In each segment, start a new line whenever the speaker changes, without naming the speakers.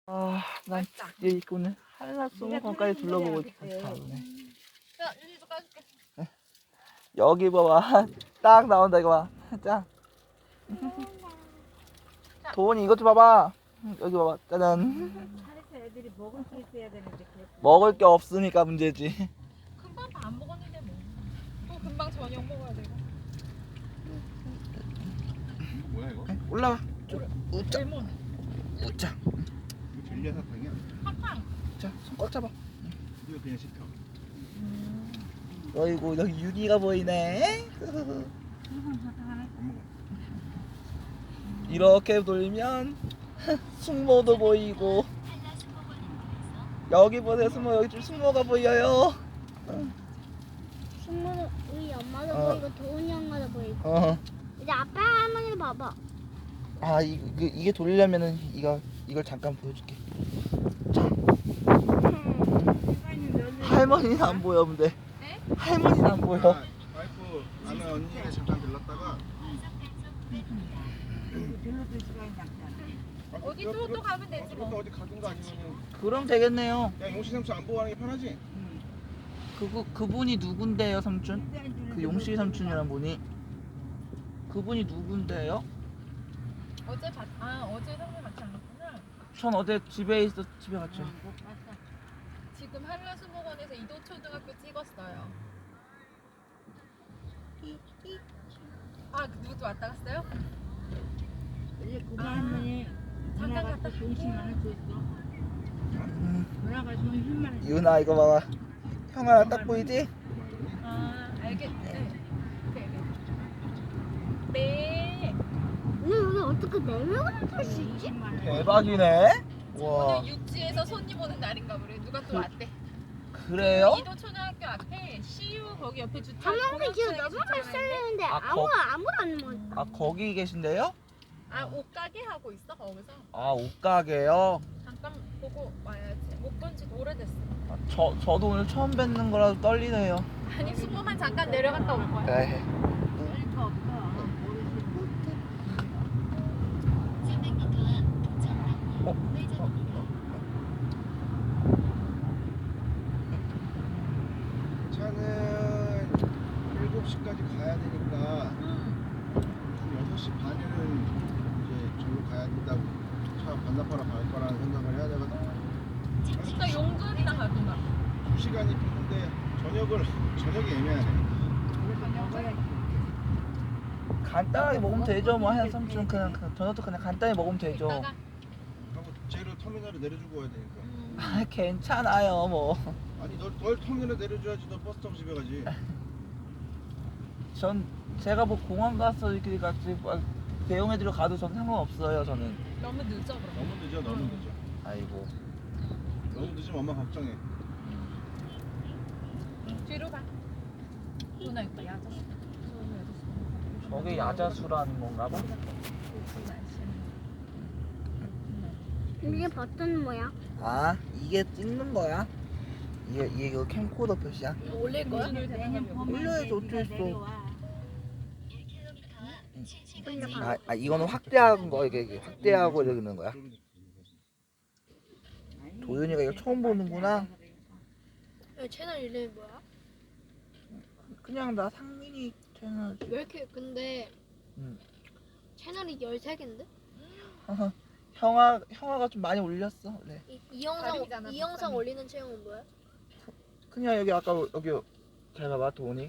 난 이제 오늘 한라수목원까지 둘러보고 다시 가보네.
자, 유리도 까줄게.
여기 봐봐. 딱 나온다 이거 봐. 짱. 도원이 이것 좀 봐봐. 여기 봐봐. 짜잔.
차에서 애들이 먹을 수 있어야 되는데
먹을 게 없으니까 문제지.
금방 다 안 먹었는데 뭐. 또 금방 저녁 먹어야 되고.
뭐야 이거?
올라와. 우짜.
레몬.
우짜.
이거 젤리야 사탕이야?
팡팡.
자, 손 꽉 잡아.
이거 그냥 시켜.
어이구 여기 유리가 보이네.
안 먹어.
이렇게 돌면 숙모도 보이고. 여기 보세요 숙모. 여기 좀 숙모가 보여요.
숙모는 우리 엄마도
어.
보이고 도훈이 엄마도 보이고
어.
이제 아빠 할머니도 봐봐.
아 이게 돌리려면은 이걸 잠깐 보여줄게. 할머니는 안 보여 근데.
네?
할머니는 안 보여.
와이프 아는 언니네 잠깐 들렀다가
별로도 시간이 남잖아.
어디 또 가면 되지 뭐.
또 어디 가든가 아니면은
그럼 되겠네요.
그냥 용시 삼촌 안 보고 하는 게 편하지?
그분이 누군데요 삼촌? 그 용실 삼촌이란 분이. 그분이 누군데요?
어제 성대 같이 안 갔구나.
전 어제 집에 갔죠.
지금 한라수목원에서 이도초등학교 찍었어요. 아, 누구도 왔다 갔어요?
이제 그거 할머니
잠깐
누나가
갔다
또 용심 하나 줬어. 누나가 좀 힘만 해.
유나 이거 봐봐. 형 하나 딱 보이지?
아, 알겠네. 네.
근데 여기 어떻게 4명을 탈 수 있지?
대박이네. 와
오늘 육지에서 손님 오는 날인가 보래. 누가 또 왔대.
그래요?
이도초등학교 앞에 CU 거기 옆에 주차.
한 명이 지금
공영주차장에
넘어갈
주차하는데
썰리는데
아,
아무도 안 먹어.
아 거기 계신데요?
아, 옷가게 하고 있어 거기서.
아 옷가게요?
잠깐 보고 와야지. 못 본 지 오래됐어.
아, 저도 오늘 처음 뵙는 거라서 떨리네요.
아니 수모만 잠깐 내려갔다 올 거야.
네.
거 없어.
차는 7시까지 가야 되니까 6시 반에는 이제 저로 가야 된다고 차 반납하러 갈 거라는 생각을 해야 되거든.
그러니까 용준이랑 가든가.
2시간이 필요한데 저녁이 애매하네.
간단하게 먹으면 되죠. 뭐 한 삼촌 그냥 저녁도 그냥 간단히 먹으면 되죠.
이따가
하고 쟤를 터미널에 내려주고 와야 되니까.
아 괜찮아요 뭐.
아니 널 터미널에 내려줘야지 너 버스 타고 집에 가지.
전 제가 뭐 공항 가서 이렇게 같이 막 대용해드려 가도 전 상관없어요 저는.
너무 늦어 그럼.
너무 늦어 너무 늦어.
아이고.
너무 늦으면 엄마 걱정해.
뒤로 가. 누나 있다 야자.
저게 야자수라는 건가 봐.
이게 버튼 뭐야?
아 이게 찍는 거야? 이게 그 캠코더 표시야?
올릴 거야?
올려야지 어쩔 아 이거는 확대한 거 이게 확대하고 이렇게 있는 거야? 도윤이가 이거 처음 보는구나.
채널 이름이 뭐야?
그냥 나 상민이 채널.
왜 이렇게 근데 채널이 13개인데?
형아가 좀 많이 올렸어. 네.
이 영상
다리잖아,
이 영상
박사님.
올리는 채용은 뭐야?
그냥 여기 아까 여기 잘 봐봐 도훈이.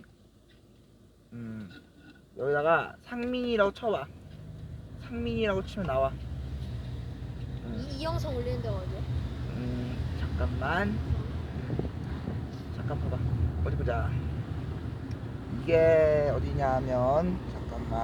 여기다가 상민이라고 쳐봐. 상민이라고 치면 나와.
이 영상 올리는 데가 어디야?
잠깐만 봐봐. 어디 보자. 이게 어디냐면